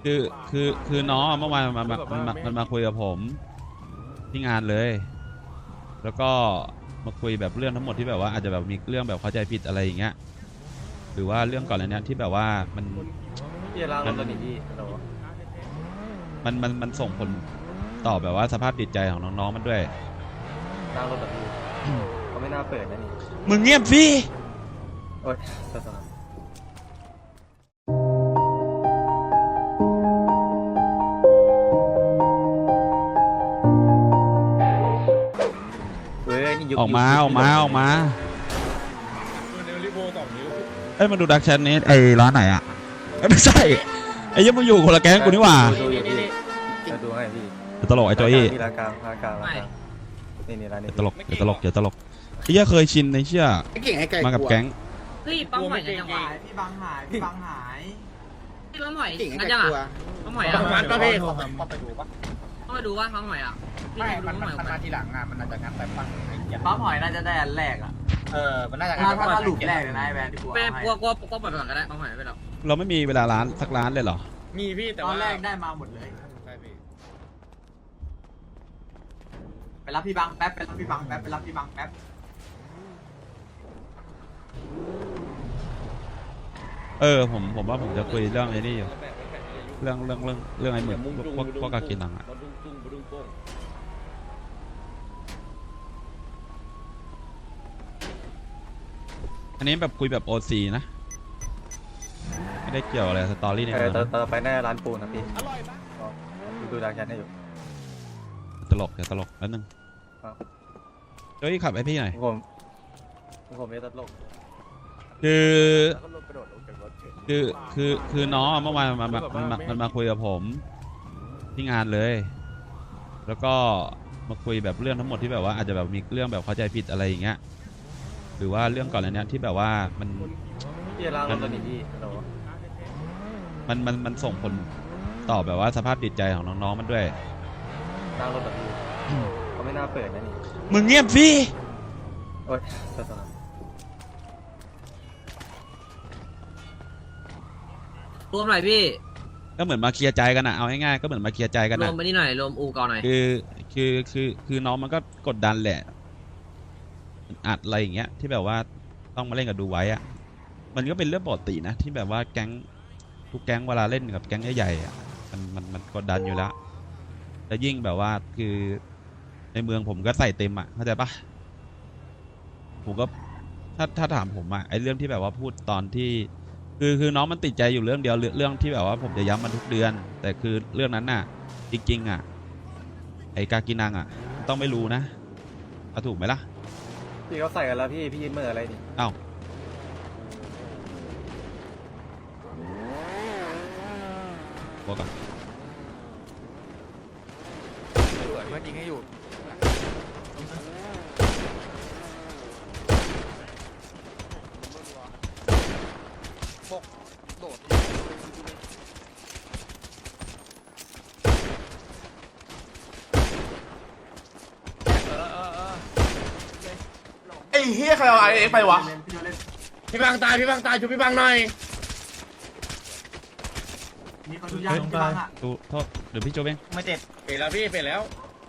คือคือน้องเมื่อวานมันมาคุยกับผมที่งานเลยแล้วก็มาคุยแบบเรื่องทั้งหมดที่แบบว่าอาจจะแบบมีเรื่องแบบเข้าใจผิดอะไรอย่างเงี้ยหรือว่าเรื่องก่อนอันเนี้ยที่แบบว่าพี่ล้างรถตัวนี้พี่ฮัลโหลมันส่งผลต่อแบบว่าสภาพจิตใจของน้องๆมันด้วยล้างรถแบบพี่เขาไม่น่าเปิดนะนี่มึงเงียบสิโอ๊ยต่อเฮ้ยนี่ยุคออกมาเอ้ยมาดูดักแชทนี้ไอ้ร้านไหนอ่ะไม่ใช่ไอ้ยังมึงอยู่คนละแก๊งกูนี่หว่าดูอยู่พี่จะดูให้พี่ตลกไอ้จอยอี้ร้านกลางนี่ร้านนี้ตลกไอ้เหี้ยเคยชินในเชื่อมากับแก๊งเฮ้ยปั๊มหอยกันจังหวะพี่บังหายพี่ปั๊มหหอยกันจังอ่ะปั๊มหอยอ่ะมันก็พี่ผมไปดูปะต้องไปดูว่าปั๊มหอยอ่ะไม่มันมาทีหลังอ่ะมันน่าจะงัดไปปั้งปั๊มหอยน่าจะได้อันแรกอ่ะมันน่าจะถ้าหลุมแรกเลยนะไอ้แวนที่กูไปให้กลัวปล่อยไปก่อนก็ได้ปั๊มหอยไปแล้วเราไม่มีเวลาร้านสักร้านเลยเหรอมีพี่แต่ตอว่านแรกได้มาหมดเลยใช่พี่ไปรับพี่บังแป๊บไปรับพี่บังแป๊บไปรับพี่บังแป๊บผมว่าผมจะคุยเรื่องไอ้นี่อยู่เรื่องไอ้เหมือนพวกกากินังอ่ะอันนี้แบบคุยแบบโอซีนะไม่ได้เกี่ยวอะไรสตอรี่ในเมืองเตอไปแน่ร้านปูนนะพี่ดูดักแชทให้อยู่ตลกแล้วนึงเฮ้ยขับไอพี่หน่อยผมไม่ตลกคือน้องเมื่อวานมันมาคุยกับผมที่งานเลยแล้วก็มาคุยแบบเรื่องทั้งหมดที่แบบว่าอาจจะแบบมีเรื่องแบบเข้าใจผิดอะไรอย่างเงี้ยหรือว่าเรื่องก่อนอันเนี้ยที่แบบว่าพี่ล้างรถตัวนี้พี่ฮัลโหลมันส่งผลต่อแบบว่าสภาพจิตใจของน้องๆมันด้วยล้างรถแบบพี่เขาไม่น่าเปิดนะนี่มึงเงียบสิโอ๊ยต่อรวมหน่อยพี่ก็เหมือนมาเคลียร์ใจกันอะเอาง่ายๆก็เหมือนมาเคลียร์ใจกันรอะวมไปนี่หน่อยรวมอูก่อนหน่อยคือน้องมันก็กดดันแหละอัดอะไรอย่างเงี้ยที่แบบว่าต้องมาเล่นกับดูไว้อะมันก็เป็นเรื่องปกตินะที่แบบว่าแก๊งทุกแก๊งเวลาเล่นกับแก๊งใหญ่ๆอะมันกดดันอยู่แล้วแล้วยิ่งแบบว่าคือในเมืองผมก็ใส่เต็มอะเข้าใจปะผมก็ถ้าถามผมอะไอเรื่องที่แบบว่าพูดตอนที่คือน้องมันติดใจอยู่เรื่องเดียวเรื่องที่แบบว่าผมจะย้ำมันทุกเดือนแต่คือเรื่องนั้นน่ะจริงๆอ่ะไอกากินังอ่ะต้องไม่รู้นะเอาถูกไหมล่ะพี่เขาใส่กันแล้วพี่เมื่ออะไรนี่อ้าวบอกก่อนเพื่อนยิงให้อยู่ไอ้เฮียใครเอาไอเอ็กไปวะพี่บังตายช่วยพี่บังหน่อยมีคนดูยากพี่บังอ่ะโทษเดี๋ยวพี่โจเบ้งไม่เจ็บเปลี่ยนแล้วพี่เปลี่ยนแล้ว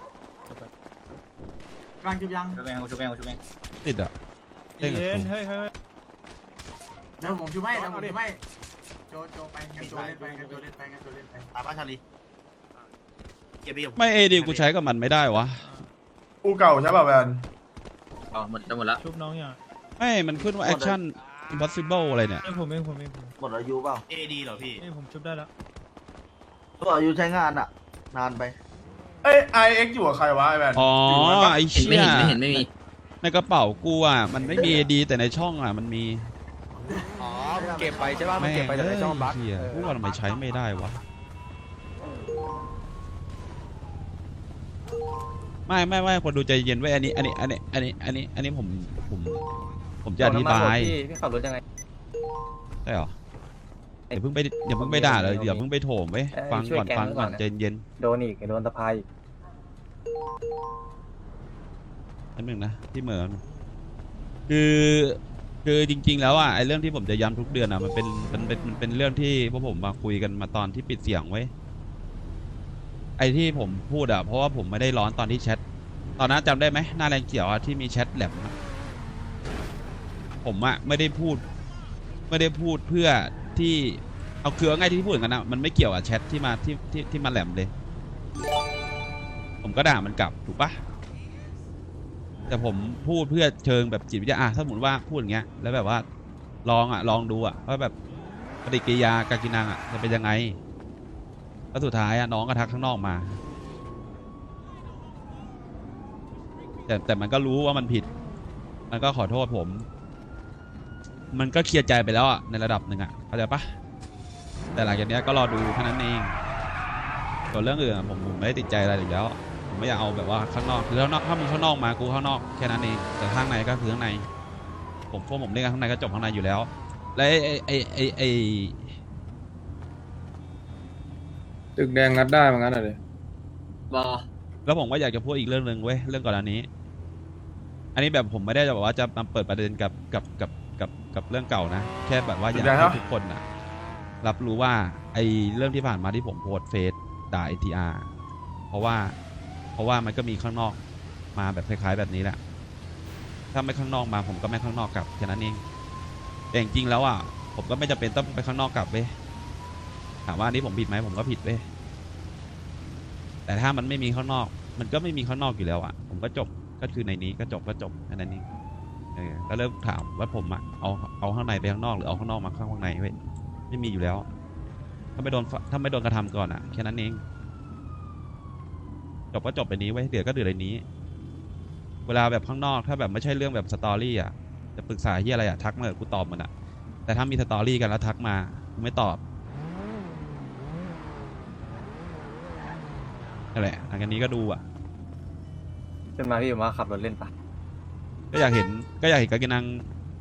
บังจุบยังช่วยแบงติดอ่ะเฮ้ยเดี๋ยวผมจุบให้โจไปงั้นโจเล่นไปตาบ้านชาลีเก็บไปอยู่ไม่เอดีกูใช้กับมันไม่ได้วะอูเก่าใช่ป่ะแวนอ๋อหมดแล้วชุบน้องอย่างไม่มันขึ้นว่า action impossible อะไรเนี่ยผมเองหมดอายุเปล่าเอดีเหรอพี่ผมชุบได้แล้วหมดอายุใช้งานอ่ะนานไปเอ้ยไอเอ็กอยู่กับใครวะไอแวนอ๋อไอเชี่ยไม่เห็นไม่มีในกระเป๋ากูอ่ะมันไม่มีดีแต่ในช่องอ่ะมันมีอ๋อเก็บไปใช่ป่ะมันเก็บไปแต่ในช่องบัคพูดว่าทำไมใช้ไม่ได้วะไม่คนดูใจเย็นไว้อันนี้ผมจะอธิบายพี่ขับรถยังไงใช่หรออย่าเพิ่งไปด่าเลยเดี๋ยวเพิ่งไปโถมไว้ฟังก่อนใจเย็นโดนสะพายอันหนึ่งนะที่เหมือนคือคือจริง ๆ แล้วอ่ะไอ้เรื่องที่ผมจะย้ำทุกเดือนอ่ะมันเป็นเรื่องที่พวกผมมาคุยกันมาตอนที่ปิดเสียงไว้ไอ้ที่ผมพูดอ่ะเพราะว่าผมไม่ได้ร้อนตอนที่แชทตอนนั้นจำได้ไหมหน้าแรงเขียวอ่ะที่มีแชทแหลมอะผมอ่ะไม่ได้พูดเพื่อที่เอาคือง่ายที่พูดอย่างนั้นนะมันไม่เกี่ยวกับแชทที่มาที่มาแหลมเลย ผมก็ด่ามันกลับถูกปะแต่ผมพูดเพื่อเชิงแบบจิตวิทยาถ้าสมมติว่าพูดอย่างเงี้ยแล้วแบบว่าลองดูว่าแบบปฏิกิริยาการกินนางจะเป็นยังไงแล้วสุดท้ายน้องก็ทักข้างนอกมาแต่มันก็รู้ว่ามันผิดมันก็ขอโทษผมมันก็เคลียร์ใจไปแล้วในระดับหนึ่งเข้าใจปะแต่หลังจากนี้ก็รอดูแค่นั้นเองส่วนเรื่องอื่นผมไม่ได้ติดใจอะไรอยู่แล้วผมไม่อยากเอาแบบว่าข้างนอกคือข้างนอกถ้ามึงข้างนอกมากูข้างนอกแค่นั้นเองแต่ข้างในก็คือข้างในผมเล่นกันข้างในก็จบข้างในอยู่แล้วและไอตึกแดงงัดได้เหมือนกันเลยบอแล้วผมก็อยากจะพูดอีกเรื่องหนึ่งเว้ยเรื่องก่อนอันนี้ อันนี้แบบผมไม่ได้จะบอกว่าจะมาเปิดประเด็นกับเรื่องเก่านะแค่แบบว่าอยากให้ทุกคนรับรู้ว่าไอเรื่องที่ผ่านมาที่ผมโพสเฟซด่า ATR เพราะว่ามันก็มีข้างนอกมาแบบคล้ายๆแบบนี้แหละถ้าไม่ข้างนอกมาผมก็ไม่ข้างนอกกลับแค่นั้นเองแต่จริงๆแล้วผมก็ไม่จำเป็นต้องไปข้างนอกกลับเว้ยถามว่าอันนี้ผมผิดไหมผมก็ผิดเว้ยแต่ถ้ามันไม่มีข้างนอกมันก็ไม่มีข้างนอกอยู่แล้วผมก็จบก็คือในนี้ก็จบแค่นั้นเองก็เริ่มถามว่าผมเอาข้างในไปข้างนอกหรือเอาข้างนอกมาข้างในเว้ยไม่มีอยู่แล้วถ้าไม่โดนกระทำก่อนแค่นั้นเองจบก็จบไปนี้ไว้เดือดก็เดือดในนี้เวลาแบบข้างนอกถ้าแบบไม่ใช่เรื่องแบบสตอรี่จะปรึกษาที่อะไรทักมากูตอบมันแต่ถ้ามีสตอรี่กันแล้วทักมากูไม่ตอบนั่นแหละหลังจากนี้ก็ดูขึ้นมาพี่มาขับรถเล่นปะก็อยากเห็นกากินัง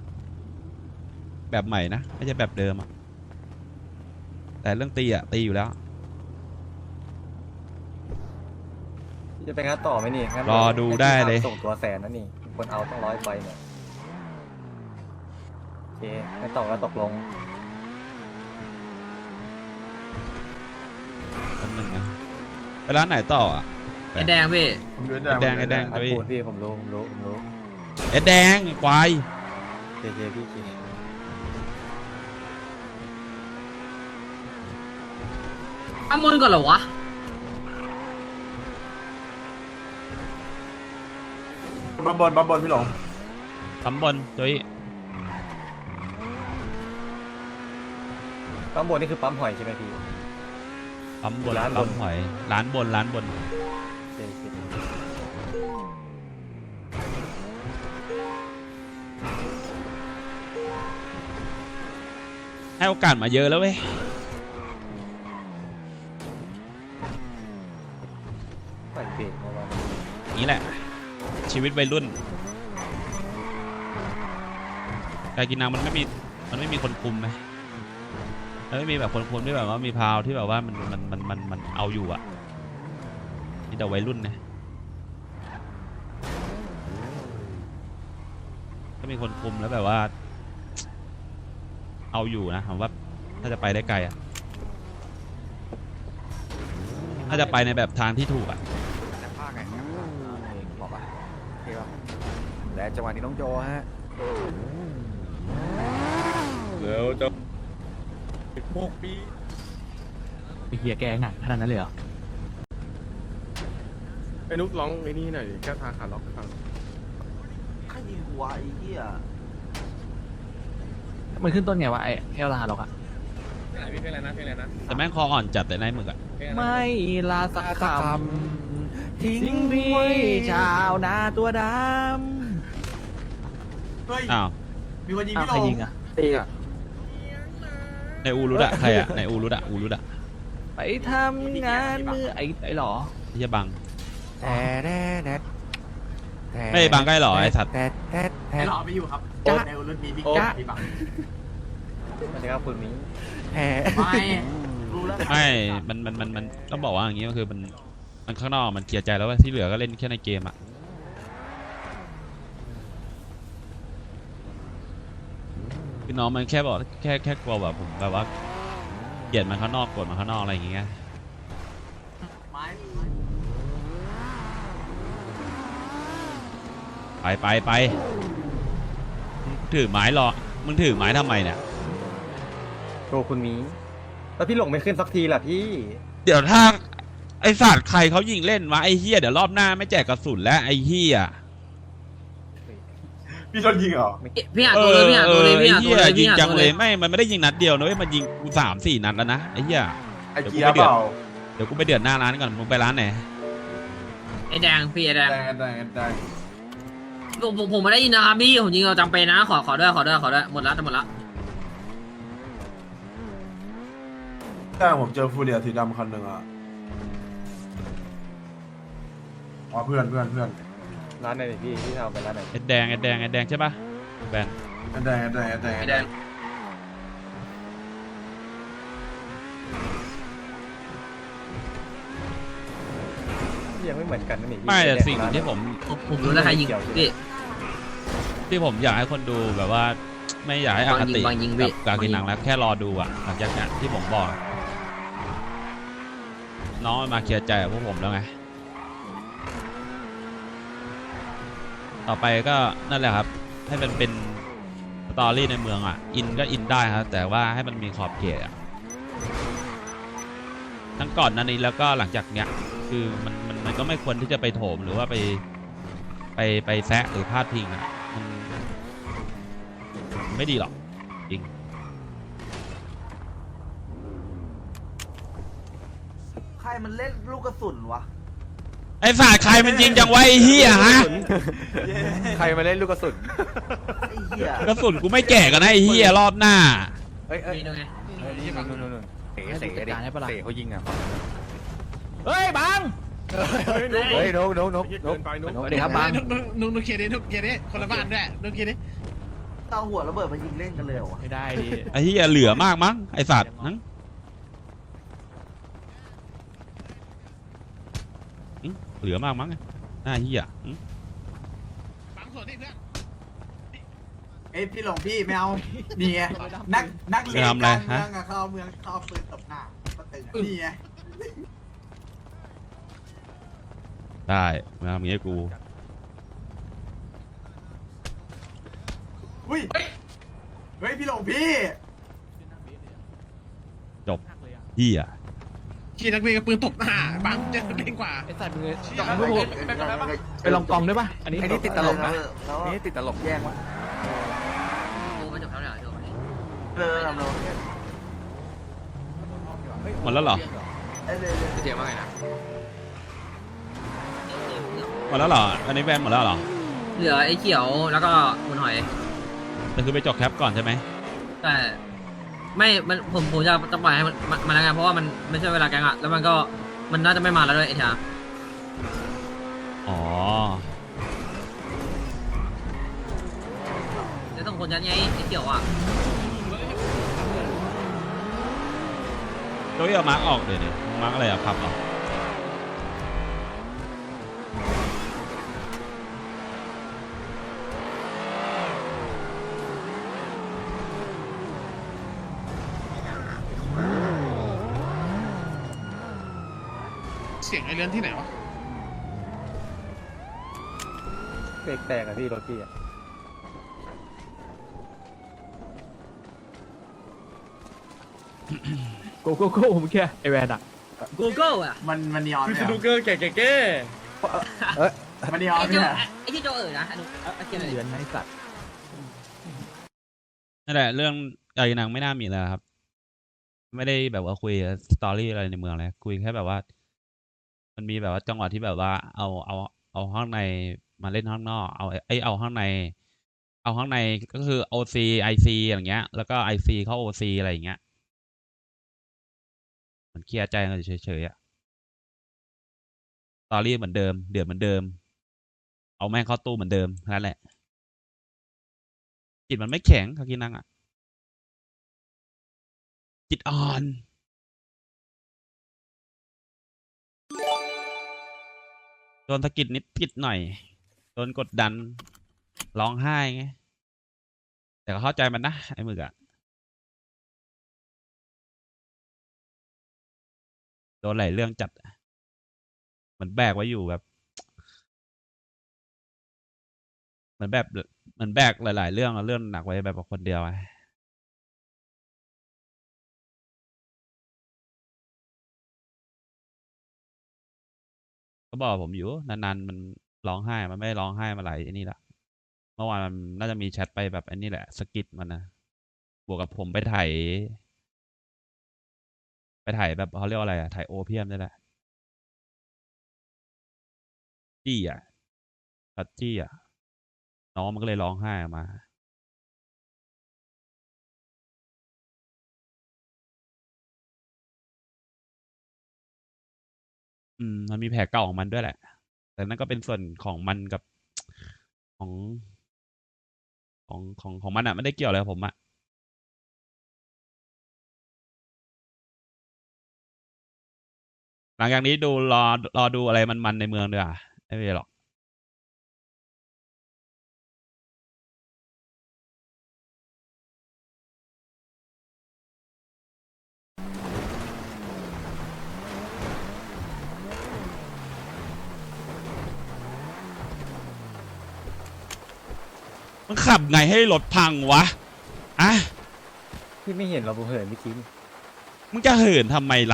แบบใหม่นะไม่ใช่แบบเดิมแต่เรื่องตีอยู่แล้วจะไปงัดต่อไหมนี่งั้นรอดูได้เลยส่งตัวแสนนะนี่คนเอาต้อง100 ใบเนี่ยโอเคไม่ต่อก็ตกลงอันหนึ่งไปร้านไหนต่อไอแดงพี่ผมดูไอ้แดงอัดด้วยปูนพี่ผมรู้ไอ้แดงไอ้ควายเคพี่เคอ้ามนก่อนเหรอวะบัมบนพี่หลงตำบลจุ้ยปั๊มบนนี่คือปั๊มหอยใช่ไหมพี่ปั๊มบนร้านบนปั๊มหอยร้านบนโอเคให้โอกาสมาเยอะแล้วเว้ยใส่เบรกมาบ้างนี่แหละชีวิตวัยรุ่นการกินน้ำมันไม่มีคนคุมไหมมันไม่มีแบบคนคุมที่แบบว่ามีพาวที่แบบว่ามันเอาอยู่มีแต่วัยรุ่นนะถ้ามีคนคุมแล้วแบบว่าเอาอยู่นะผมว่าถ้าจะไปได้ไกลถ้าจะไปในแบบทางที่ถูกแต่ภาคไงบอกป่ะโอเคป่ะและจังหวะนี้น้องโจฮะแล้วจะไปเฮียแกหนักขนาดนั้นเลยเหรอไอ้นุ๊กร้องไอ้นี่หน่อยแก้ทางขาล็อกให้ฟังใครยิงหัวไอ้เหี้ยมันขึ้นต้นไงวะไอ้แค่ลาหรอกอะเพลงอะไรนะแต่แม่งคออ่อนจัดแต่ในหมึกไม่ลาสักคำทิ้งพี่ชาวนาตัวดเฮ้ยอ้าวมีคนยิงำอ้าวพี่หลงใครยิงอะตีอ่ะในอูรุดใครในอูรุดไปทำงานมือไอ้หรอที่จะบังแต่ไม่บังใกล้หรอไอ้สัตว์ไอ้หล่อไม่อยู่ครับในรุ่นมีบิ๊กจ๊ะพี่บังไม่ใช่ครับคุณนี้ไม่รู้แล้วไม่มันต้องบอกว่าอย่างงี้ก็คือมันข้างนอกมันเคลียร์ใจแล้วว่าที่เหลือก็เล่นแค่ในเกมคือน้องมันแค่บอกแค่กลัวแบบผมแบบว่าเกลียดมันข้างนอกกดมันข้างนอกอะไรอย่างเงี้ยไม้ไปมึงถือไม้รอมึงถือไม้ทำไมเนี่ยโชว์คุณมีแล้วพี่หลงไม่ขึ้นสักทีล่ะพี่เดี๋ยวถ้าไอสัตว์ใครเขายิงเล่นวะไอเฮียเดี๋ยวรอบหน้าไม่แจกกระสุนแล้วไอเฮียพี่โดนยิงเหรอพี่หาตัวเลยพี่หาตัวเลยพี่หาตัวเลยยิพี่งหาจัตังวเลเลย ยไม่มันไม่ได้ยิงนัดเดียวนะเว้ยมันยิงกู3-4 นัดแล้วนะไอเฮียไอเกียร์เปล่าเดี๋ยวกูไปเดือดหน้าร้านก่อนมึงไปร้านไหนไอ้แดงพี่ไอ้แดงได้ผมไม่ได้ยินนะครับพี่ผมยิงเราจำเป็นนะขอด้วยหมดละจะหมดละแต่ผมเจอฟูเรียสีดำคันหนึ่งอ่ะอ๋อเพื่อนร้านไหนพี่ทำไปร้านไหนไอแดงใช่ปะแบนไอ้แดงไอ้แดงยังไม่เหมือนกันนะนี่ไม่แต่สิ่งหนึ่งที่ผมผมรู้แล้วใครยิงพี่ที่ผมอยากให้คนดูแบบว่า ไม่อยากให้อคติบางยิงพี่กับการกินหนังแล้วแค่รอดูอ่ะหลังจากนั้นที่ผมบอก น้องมาเคลียร์ใจกับพวกผมแล้วไง ต่อไปก็นั่นแหละครับ ให้มันเป็นสตอรี่ในเมืองอ่ะ อินก็อินได้ครับ แต่ว่าให้มันมีขอบเขตอ่ะทั้งก่อนหนั้นนี้แล้วก็หลังจากเนี้ย คือมันก็ไม่ควรที่จะไปโถมหรือว่าไปแซะหรือพาดพิงอ่ะมันไม่ดีหรอกจริงใครมันเล่นลูกกระสุนวะไอ้ฝาดใครมันยิงจังไวะไอ้เฮียฮะใครมาเล่นลูกกระสุนไอ้เหี้ยกระสุนกูไม่แก่กันนะไอ้เฮียรอบหน้าเฮ้ยนี่ดูไงนู่นเสเขายิงอ่ะเฮ้ยบังเฮ้ยนกสวัสดีครับบังนุกเคลียร์ดินุกเคลียร์ดิคนละบ้านด้วยนุกเคลียร์ดิเตาหัวระเบิดมายิงเล่นกันเลยเหรอวะไม่ได้ดิไอ้เฮียเหลือมากมั้งไอ้สัตว์นังเหลือมากมั้งหน้าเฮียฟังส่วนนี่เพื่อนเอ้ยพี่หลงพี่ไม่เอานี่ไงนักเลงการเมืองอะเขาเอาเมืองเขาเอาปืนตบหน้าก็ตึงนี่ไงได้มาทำอย่างงี้ให้กูอุ้ยเฮ้ยพี่หลงพี่จบเฮียขี่นักเลงกับปืนตบหน้าบังจะเล่นกว่าไอ้สัตว์มึงจับมือผมไปลองกองด้วยป่ะ อันนี้ไอ้นี่ติดตลกนะแล้วนี่ติดตลกแย่งวะกูมาจบแล้วเนี่ยจบเราหมดแล้วเหรอเจ๋งมากเลยนะหมดแล้วเหรออันนี้แบนหมดแล้วเหรอเหลือไอ้เขียวแล้วก็คุณหอยแต่คือไปจบแคปก่อนใช่ไหมแต่ไม่มันผมจะปล่อยให้มันแล้วไงเพราะว่ามันไม่ใช่เวลาแกงอะแล้วมันก็มันน่าจะไม่มาแล้วด้วยไอ้ชาอ๋อเดี๋ยวต้องคนยัดไงไอ้เขียวอะโจ้ยเอามาร์กออกเดี๋ยวมาร์กอะไรอะพับเหรอเสียงไอเรือนที่ไหนวะเบรกแตกอะพี่รถพี่อะโกโก้โก้ผมแค่ไอแวนอะ Google อะมันนีออนเนี่ยดูเกอร์แก่มันนีออนไอ้เนี่ยที่โจนะไอ้เขียวเหลือนไอ้สัตว์นั่นแหละเรื่องไอ้นางไม่น่ามีแล้วครับ ไม่ได้แบบว่าคุยสตอรี่อะไรในเมืองเลยคุยแค่แบบว่า มันมีแบบว่าจังหวะที่แบบว่าเอาข้างในมาเล่นข้างนอกเอาข้างใน เอาข้างในก็คือ OC IC อย่างเงี้ย แล้วก็ IC เข้า OC อะไรอย่างเงี้ยมันเคลียร์ใจกันเฉยๆอะสตอรี่เหมือนเดิมเดือดเหมือนเดิม เอาแม่งเข้าตู้เหมือนเดิมนั่นแหละจิตมันไม่แข็งคากินังอะจิตอ่อนโดนสะกิดนิดหน่อยโดนกดดันร้องไห้ไงแต่แต่ก็เข้าใจมันนะไอ้หมึกอะโดนหลายเรื่องจัดเหมือนแบกไว้อยู่แบบเหมือนแบกหลายๆเรื่องเรื่องหนักไว้แบบคนเดียวไงก็บอกผมอยู่นานๆมันร้องไห้มันไม่ร้องไห้มาหลายไอ้นี่ละเมื่อวานมันน่าจะมีแชทไปแบบไอ้นี่แหละสกิดมันนะบวกกับผมไปถ่ายแบบเขาเรียกว่าอะไรอะถ่ายโอเพียมนี่แหละจี้อะตัดจี้อะน้องมันก็เลยร้องไห้ออกมามันมีแผลเก่าของมันด้วยแหละ แต่นั่นก็เป็นส่วนของมันกับของของมันอะไม่ได้เกี่ยวอะไรกับผมอะหลังจากนี้รอดูอะไรมันในเมืองดีกว่าไม่เป็นไรหรอกมันขับไงให้รถพังวะอะพี่ไม่เห็นเราผมเหินเมื่อกี้นี่มึงจะเหินทำไมล่ะ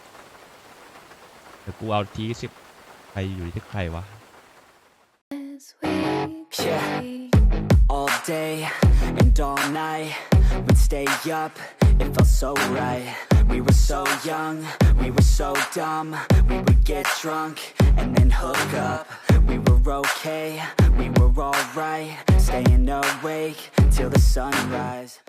เดี๋ยวกูเอาทีสิบไปอยู่ที่ใครวะ Yeah, all day and all night, we'd stay up, it felt so right. We were so young, we were so dumb, we would get drunk and then hook up. We were okay, we were alright, staying awake till the sunrise.